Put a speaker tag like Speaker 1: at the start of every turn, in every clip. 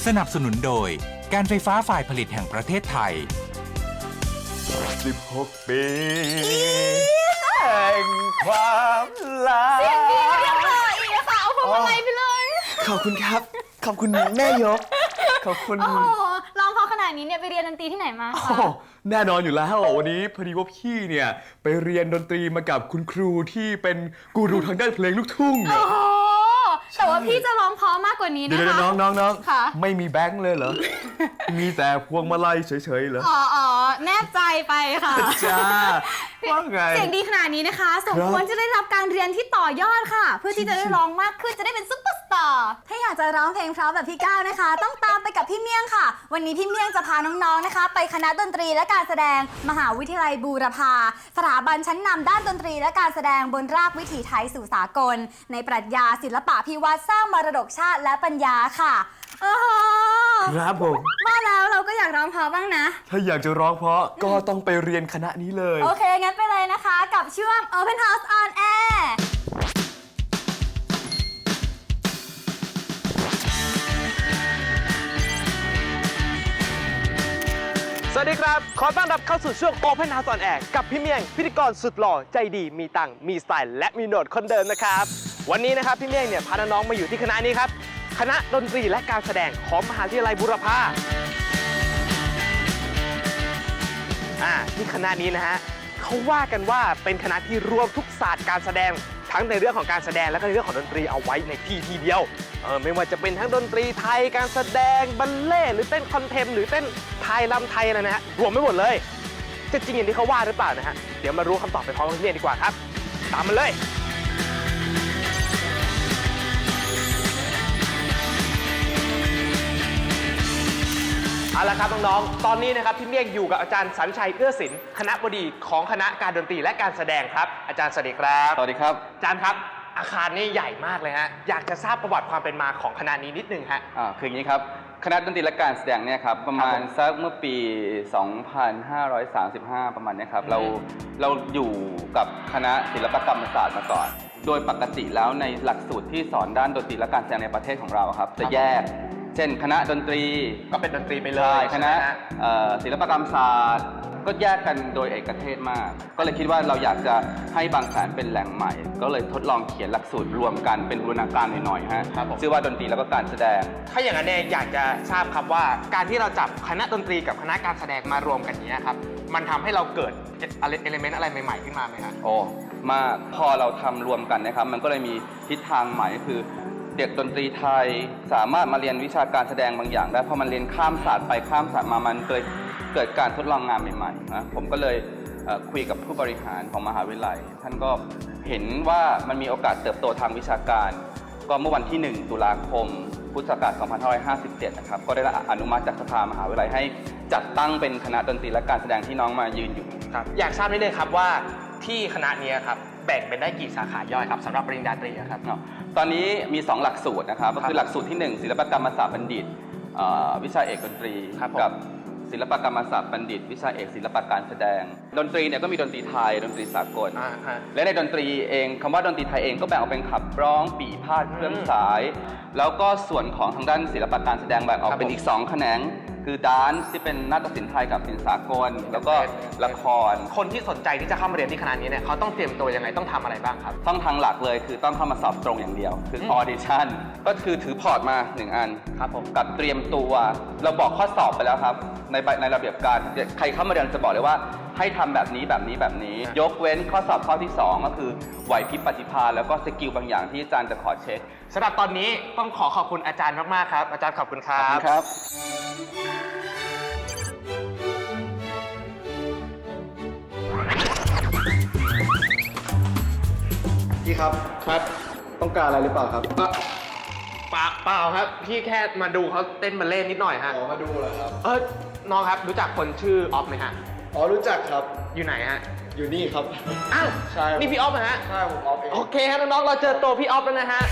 Speaker 1: นับสนุนโดยการไฟฟ้าฝ่ายผลิตแห่งประเทศไทย
Speaker 2: 16 ปีแห่งความรัก
Speaker 3: เสียงดีเรียกต่ออีกค่ะเอาพวงมาลัยไปเลย
Speaker 2: ขอบคุณครับ ขอบคุณแม่ยก ขอบคุณ
Speaker 3: โอ้โหร้องเพราะขนาดนี้เนี่ยไปเรียนดนตรีที่ไหนมาคะ
Speaker 2: แน่นอนอยู่แล้ววันนี้พอดีว่าพี่เนี่ยไปเรียนดนตรีมากับคุณครูที่เป็นกูรูทางด้านเพลงลูกทุ่ง
Speaker 3: โอ้โหแต่ว่าพี่จะร้องเพราะมากกว่านี้นะคะ
Speaker 2: เดี๋ยวน้อง
Speaker 3: ค่ะ
Speaker 2: ไม่มีแบงค์เลยเหรอ มีแต่พวงมาลัยเฉยๆเหรอ
Speaker 3: อ๋อแนบใจไปค่ะ
Speaker 2: จ้าว่าไง
Speaker 3: เสียงดีขนาดนี้นะคะสมควรจะได้รับการเรียนที่ต่อยอดค่ะ เพื่อที่จะได้ร้องมากขึ้นจะได้เป็นซุปเปอร์สตาร์ถ้าอยากจะร้องเพลงเพราะแบบพี่ก้าวนะคะ ต้องตามไปกับพี่เมี่ยงค่ะ วันนี้พี่เมี่ยงจะพาน้องๆนะคะ ไปคณะดนตรีและการแสดงมหาวิทยาลัยบูรพาสถาบันชั้นนำด้านดนตรีและการแสดงบนรากวิถีไทยสู่สากล ในปรัชญาศิลปะพิวัตรสร้างมรดกชาติและปัญญาค่ะโอ้โห
Speaker 2: ครับผม
Speaker 3: ว่าแล้วเราก็อยากร้องเพราะบ้างนะ
Speaker 2: ถ้าอยากจะร้องเพราะก็ต้องไปเรียนคณะนี้เลย
Speaker 3: โอเค งั้นไปเลยนะคะกับช่วง Open House on Air
Speaker 4: สวัสดีครับ ขอต้อนรับเข้าสู่ช่วง Open House on Air กับพี่เมียงพิธีกรสุดหล่อใจดีมีตังค์มีสไตล์และมีโหนดคนเดิมนะครับวันนี้นะครับพี่เมียงเนี่ยพาน้องๆมาอยู่ที่คณะนี้ครับคณะดนตรีและการแสดงของมหาวิทยาลัยบูรพาที่คณะนี้นะฮะเขาว่ากันว่าเป็นคณะที่รวมทุกศาสตร์การแสดงทั้งในเรื่องของการแสดงและก็ในเรื่องของดนตรีเอาไว้ในที่เดียวไม่ว่าจะเป็นทั้งดนตรีไทยการแสดงบัลเล่ต์หรือเต้นคอนเทมป์หรือเต้นไทยลำไทยอะไรนะฮะรวมไม่หมดเลยจะจริงอย่างที่เขาว่าหรือเปล่านะฮะเดี๋ยวมารู้คำตอบไปพร้อมกันดีกว่าครับตามมาเลยเอาละครับน้องๆตอนนี้นะครับพี่เมียงอยู่กับอาจารย์สัญชัยเอื้อศิลป์คณบดีของคณะการดนตรีและการแสดงครับอาจารย์สวัสดีครับ
Speaker 5: สวัสดีครับ
Speaker 4: อาจารย์ครับอาคารนี่ใหญ่มากเลยฮะอยากจะทราบประวัติความเป็นมาของคณะนี้นิดนึงฮะ
Speaker 5: คืออย่างนี้ครับคณะดนตรีและการแสดงเนี่ยครับประมาณสักเมื่อปี 2535 ประมาณนี้ครับเราอยู่กับคณะศิลปกรรมศาสตร์มาก่อนโดยปกติแล้วในหลักสูตรที่สอนด้านดนตรีและการแสดงในประเทศของเราครับจะแยกเช่นคณะดนตรี
Speaker 4: ก็เป็นดนตรีไปเลย
Speaker 5: คณะศิลปกรรมศาสตร์ก็แยกกันโดยเอกเทศมากก็เลยคิดว่าเราอยากจะให้บางแสนเป็นแหล่งใหม่ก็เลยทดลองเขียนหลักสูตรรวมกันเป็นบูรณาการหน่อยๆฮะชื่อว่าดนตรีแล้วก็การแสดง
Speaker 4: ถ้าอย่างนั้นเนี่ยอยากจะทราบครับว่าการที่เราจับคณะดนตรีกับคณะการแสดงมารวมกันนี้ครับมันทำให้เราเกิดเอลิเมนต์อะไรใหม่ๆขึ้นมาไหมครับ
Speaker 5: โอ้มากพอเราทำรวมกันนะครับมันก็เลยมีทิศทางใหม่ก็คือเด็กดนตรีไทยสามารถมาเรียนวิชาการแสดงบางอย่างได้พอมันเรียนข้ามศาสตร์ไปข้ามศาสตร์มามันเกิดการทดลองงานใหม่ๆนะผมก็เลยคุยกับผู้บริหารของมหาวิทยาลัยท่านก็เห็นว่ามันมีโอกาสเติบโตทางวิชาการก็เมื่อวันที่ 1 ตุลาคม พุทธศักราช 2557 นะครับก็ได้รับอนุมัติจากสภามหาวิทยาลัยให้จัดตั้งเป็นคณะดนตรีและการแสดงที่น้องมายืนอยู่
Speaker 4: ครับอยากทราบนิดนึงครับว่าที่คณะนี้ครับแบ่งเป็นได้กี่สาขาย่อยครับสำหรับปริญญาตรีครับ
Speaker 5: ตอนนี้มี 2 หลักสูตรนะครับก็คือหลักสูตรที่ 1 ศิลปกรรมศาสตร์บัณฑิตวิชาเอกดนตรีกับศิลปกรรมศาสตร์บัณฑิตวิชาเอกศิลปะการแสดงดนตรีเนี่ยก็มีดนตรีไทยดนตรีสากลและในดนตรีเองคำว่าดนตรีไทยเองก็แบ่งออกเป็นขับร้องปี่พาทเครื่องสายแล้วก็ส่วนของทางด้านศิลปะการแสดงแบ่งออกเป็นอีก2แขนงคือดานซ์ที่เป็นนาฏศิลป์ไทยกับศิลป์สากลแล้วก็ละคร
Speaker 4: คนที่สนใจที่จะเข้ามาเรียนที่คณะนี้เนี่ยเขาต้องเตรียมตัวยังไงต้องทำอะไรบ้างครับ
Speaker 5: ช่องทางหลักเลยคือต้องเข้ามาสอบตรงอย่างเดียวคือออดิชั่นก็คือถือพอร์ตมา1อัน
Speaker 4: ครับผม
Speaker 5: กับเตรียมตัวเราบอกข้อสอบไปแล้วครับในระเบียบการใครเข้ามาเรียนจะบอกเลยว่าให้ทำแบบนี้ยกเว้นข้อสอบข้อที่2ก็คือไหวพริบปฏิภาณแล้วก็สกิลบางอย่างที่อาจารย์จะขอเช็ค
Speaker 4: สำหรับตอนนี้ต้องขอบคุณอาจารย์มากๆครับอาจารย์ขอบคุณครับ
Speaker 5: ขอบคุณครับ
Speaker 2: พี่ครับต้องการอะไรหรือเปล่าครับ
Speaker 4: เปล่าครับพี่แค่มาดูเขาเต้นบัลเล่ต์นิดหน่อยฮะ
Speaker 2: มาดูเหรอครับ
Speaker 4: น้องครับรู้จักคนชื่อออฟไหมฮะ
Speaker 2: รู้จักครับ
Speaker 4: อยู่ไหนฮะ
Speaker 2: อยู่นี่ครับ
Speaker 4: อ้าว
Speaker 2: ใช่
Speaker 4: นี่พี่ออฟนะฮะ
Speaker 2: ใช่ผมออฟเอง
Speaker 4: โอเคฮะน้องๆเราเจอตัวพี่ออฟแล้วนะฮะ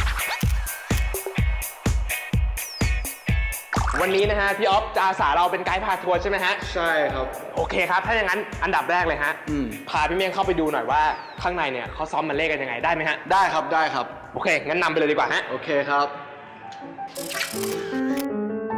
Speaker 4: วันนี้นะฮะพี่ออฟจะอาสาเราเป็นไกด์พาทัวร์ใช่ไหมฮะ
Speaker 2: ใช่ครับ
Speaker 4: โอเคครับถ้าอย่างนั้นอันดับแรกเลยฮะพาพี่เมียงเข้าไปดูหน่อยว่าข้างในเนี่ยเขาซ้อมบัลเล่ต์กันยังไงได้ไหมฮะ
Speaker 2: ได้ครับ
Speaker 4: โอเคงั้นนำไปเลยดีกว่าฮะ
Speaker 2: โอเคครับ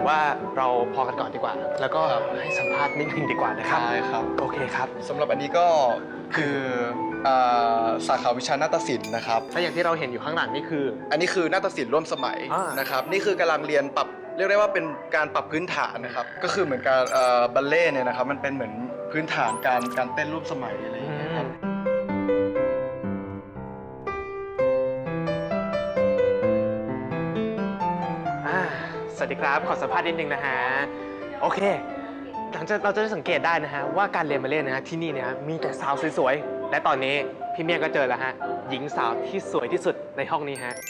Speaker 4: ผมว่าเราพอกันก่อนดีกว่า แล้วก็ให้สัมภาษณ์นิดนึงดีกว่านะครับ
Speaker 2: ได้ครับ
Speaker 4: โอเคครับ
Speaker 2: สำหรับอันนี้ก็คือสาขาวิชานาฏศิลป์นะครับ
Speaker 4: ถ้าอย่างที่เราเห็นอยู่ข้างหลังนี่คือ
Speaker 2: อันนี้คือนาฏศิลป์ร่วมสมัย
Speaker 4: อ่าน
Speaker 2: นะครับนี่คือกำลังเรียนปรับเรียกได้ว่าเป็นการปรับพื้นฐานนะครับก็คือเหมือนการบัลเล่ต์เนี่ยนะครับมันเป็นเหมือนพื้นฐานการเต้นร่วมสมัยอะไรอย่างเงี้ยครับ
Speaker 4: สวัสดีครับ ขอสัมภาษณ์นิดนึงนะฮะ โอเค หลังจากเราจะได้สังเกตได้นะฮะว่าการเรียนบัลเล่ต์นะฮะที่นี่เนี่ยมีแต่สาวสวยๆ และตอนนี้พี่เมียก็เจอแล้วฮะหญิงสาวที่สวยที่สุดในห้องนี้ฮะ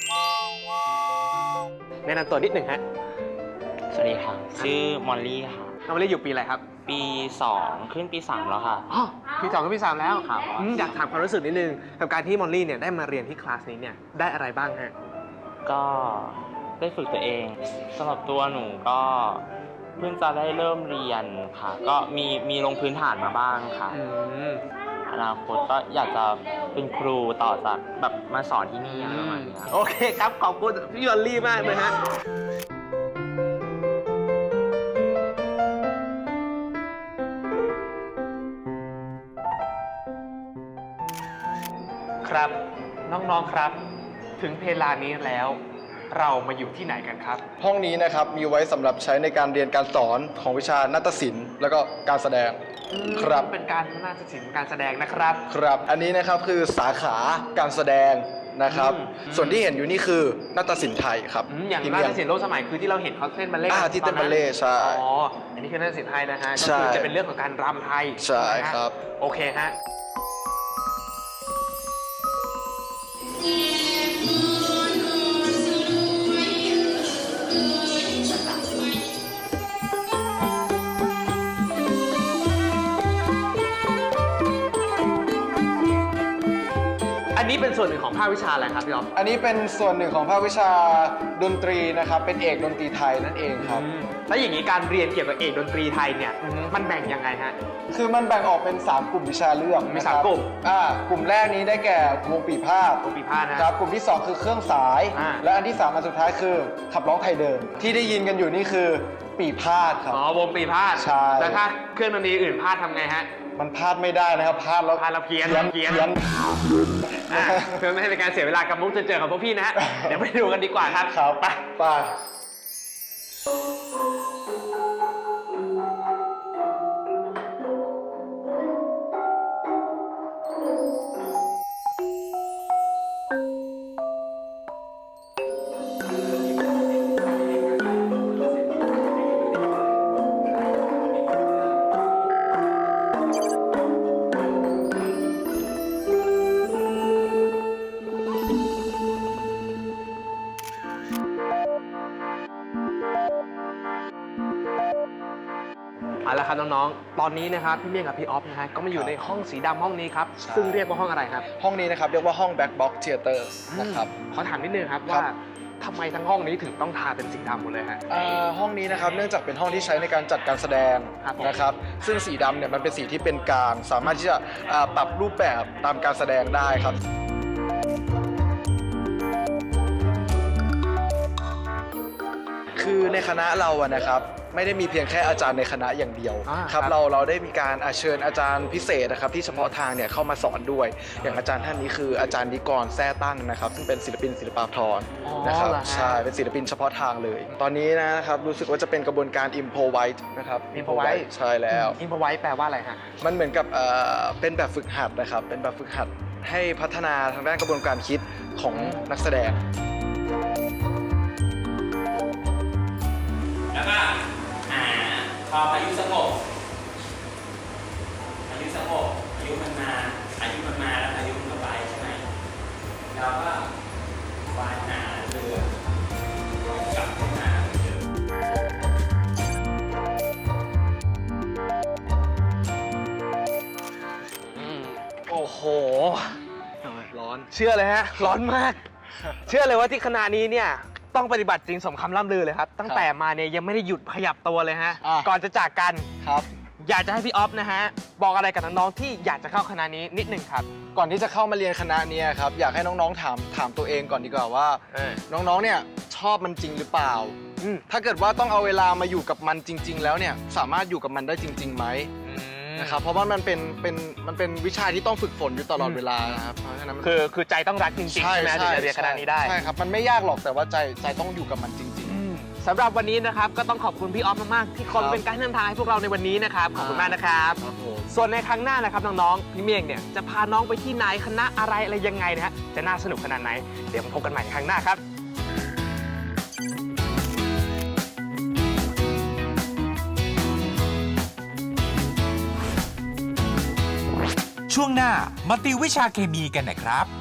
Speaker 4: แนะนำตัวนิดหนึ่งฮะ
Speaker 6: สวัสดีค่ะ ชื่อมอลลี่ค่ะ
Speaker 4: น้องมะลิอยู่ปีอะไรครับ
Speaker 6: ปี 2 ขึ้นปี 3 แล้วค่ะ
Speaker 4: อ๋อปี2กับปี 3 แล้ว
Speaker 6: ครับ
Speaker 4: อยากถามความรู้สึกนิดนึงกับการที่มอลลี่เนี่ยได้มาเรียนที่คลาสนี้เนี่ยได้อะไรบ้างฮะ
Speaker 6: ก็ได้ฝึกตัวเองสำหรับตัวหนูก็เพิ่งจะได้เริ่มเรียนค่ะ ก็มีลงพื้นฐานมาบ้างค่ะ
Speaker 4: อืม
Speaker 6: อนาคตก็อยากจะเป็นครูต่อจากแบบมาสอนที่นี่อะไรประมาณนี้ครับ
Speaker 4: โอเคครับ ขอบคุณพี่มอลลี่มากเลยฮะ ครับน้องๆครับ ถึงเวลานี้แล้วเรามาอยู่ที่ไหนกันครับ
Speaker 2: ห้องนี้นะครับมีไว้สำหรับใช้ในการเรียนการสอนของวิชานาฏศิลป์แล้วก็การแสดงครับ
Speaker 4: เป็นการนาฏศิลป์การแสดงนะครับ
Speaker 2: ครับอันนี้นะครับคือสาขาการแสดงนะครับ ส่วนที่เห็นอยู่นี่คือนาฏศิลป์ไทยครับ
Speaker 4: อย่าง
Speaker 2: พี่
Speaker 4: นา
Speaker 2: เมีย
Speaker 4: ฏศิลป์ร่วมสมัยคือที่เราเห็นเขาเต้นบัลเล่ต์
Speaker 2: ที่เต้นบัลเล่ต์ใช่
Speaker 4: อ๋ออันนี้คือนาฏศิลป์ไทยนะฮะก็
Speaker 2: ใช่
Speaker 4: คือจะเป็นเรื่องของการรำไทย
Speaker 2: ใช่ครับ
Speaker 4: โอเคฮะ อันนี้เป็นส่วนหนึ่งของภาควิชาอะไรครับพี่อ๊อฟ
Speaker 2: อันนี้เป็นส่วนหนึ่งของภาควิชาดนตรีนะครับเป็นเอกดนตรีไทยนั่นเองครับ
Speaker 4: แล้วอย่างนี้การเรียนเกี่ยวกับเอกดนตรีไทยเนี่ย
Speaker 2: อือฮึ
Speaker 4: มันแบ่งยังไงฮะ
Speaker 2: คือมันแบ่งออกเป็น 3 กลุ่มวิชาเลือก
Speaker 4: มี
Speaker 2: นะครับ
Speaker 4: 3กลุ่ม
Speaker 2: กลุ่มแรกนี้ได้แก่วงปีพาทย์
Speaker 4: วงปีพาทย์นะครับ
Speaker 2: กลุ่มที่ 2 คือเครื่องสาย
Speaker 4: อ่า
Speaker 2: และอันที่ 3 อันสุดท้ายคือขับร้องไทยเดิม ที่ได้ยินกันอยู่นี่คือปีพาทย์ครับ
Speaker 4: อ๋อวงปีพาด
Speaker 2: ใช่
Speaker 4: แล้วถ้าเครื่องดนตรีอื่นพาดทำไงฮะ
Speaker 2: มันพลาดไม่ได้นะครับพลาดแล้ว
Speaker 4: พาดแล้วเพี้ยน
Speaker 2: เพี้ยน
Speaker 4: อ่ะเพื่อไม่ให้เป็นการเสียเวลากับมุกเจอๆของพวกพี่นะฮะ เดี๋ยวไปดูกันดีกว่าครับ
Speaker 2: ครับ
Speaker 4: ไป
Speaker 2: ไป
Speaker 4: เอาละครับน้องๆ ตอนนี้นะครับพี่เมี่ยงกับพี่ออฟนะฮะก็มาอยู่ในห้องสีดำห้องนี้ครับ
Speaker 2: ใช่
Speaker 4: ซึ่งเรียกว่าห้องอะไรครับ
Speaker 2: ห้องนี้นะครับเรียกว่าห้อง Black Box Theater นะครับ
Speaker 4: ขอถามนิดนึงครับ
Speaker 2: ครั
Speaker 4: ว่า
Speaker 2: บ
Speaker 4: ทำไมทั้งห้องนี้ถึงต้องทาเป็นสีดำหมดเลยฮะ
Speaker 2: ห้องนี้นะครับเนื่องจากเป็นห้องที่ใช้ในการจัดการแสดง
Speaker 4: ครับผม
Speaker 2: นะครับซึ่งสีดำเนี่ยมันเป็นสีที่เป็นกลางสามารถที่จะปรับรูปแบบตามการแสดงได้ครับ คือในคณะเราอะนะครับไม่ได้มีเพียงแค่อาจารย์ในคณะอย่างเดียว
Speaker 4: ค
Speaker 2: ค
Speaker 4: รั
Speaker 2: รับ บเราได้มีการเชิญอาจารย์พิเศษนะครับที่เฉพาะทางเนี่ยเข้ามาสอนด้วย อย่างอาจารย์ท่านนี้คืออาจารย์นิกรแท้ตั้งนะครับซึ่งเป็นศิลปินศิลปาภรณ์นะครับ
Speaker 4: เหรอฮะ
Speaker 2: ใช่เป็นศิลปินเฉพาะทางเลย ตอนนี้นะครับรู้สึกว่าจะเป็นกระบวนการ improvise นะครับ
Speaker 4: Improvise
Speaker 2: ใช่แล้ว
Speaker 4: อินพไว้แปลว่าอะไรฮะ
Speaker 2: มันเหมือนกับเป็นแบบฝึกหัดนะครับเป็นแบบฝึกหัดให้พัฒนาทางด้านกระบวนการคิดของนักแสดง
Speaker 7: แล้วก็พอพายุสงบพายุมันมาแล้วพายุมันก็ไปใช่ไหมเราก็วานหาเรือกลับขึ้นมาเหมือนเดิม
Speaker 4: โอ้โห ร้อน เชื่อเลยฮะ ร้อนมาก เชื่อเลยว่าที่คณะนี้เนี่ยต้องปฏิบัติจริงสมคำล่ำลือเลยครับ ตั้งแต่มาเนี่ยยังไม่ได้หยุดขยับตัวเลยฮะ
Speaker 2: อ่ะ
Speaker 4: ก่อนจะจากกัน
Speaker 2: ครับ
Speaker 4: อยากจะให้พี่ออฟนะฮะ บอกอะไรกับน้องๆที่อยากจะเข้าคณะนี้นิดหนึ่งครับ
Speaker 2: ก่อนที่จะเข้ามาเรียนคณะเนี้อยากให้น้องๆถามตัวเองก่อนดีกว่าว่า น้องๆเนี่ยชอบมันจริงหรือเปล่าถ้าเกิดว่าต้องเอาเวลามาอยู่กับมันจริง ๆ แล้วเนี่ยสามารถอยู่กับมันได้จริงๆไหมนะครับเพราะว่ามันเป็นวิชาที่ต้องฝึกฝนอยู่ตลอดเวลานะครับเพราะฉะนั้นมัน
Speaker 4: คือใจต้องรักจริงๆใช่ไหมถึงจะเรียนคณะนี้ได้
Speaker 2: ใช่ครับมันไม่ยากหรอกแต่ว่าใจต้องอยู่กับมันจริง
Speaker 4: สำหรับวันนี้นะครับก็ต้องขอบคุณพี่ออฟมากๆที่คอยเป็นการนำทางให้พวกเราในวันนี้นะครับขอบคุณมากนะครับ
Speaker 2: ครับผม
Speaker 4: ส่วนในครั้งหน้านะครับน้องๆพี่เมียงเนี่ยจะพาน้องไปที่ไหนคณะอะไรยังไงนะฮะจะน่าสนุกขนาดไหนเดี๋ยวมาพบกันใหม่ในครั้งหน้าครับ
Speaker 1: ช่วงหน้ามาติววิชาเคมีกันนะครับ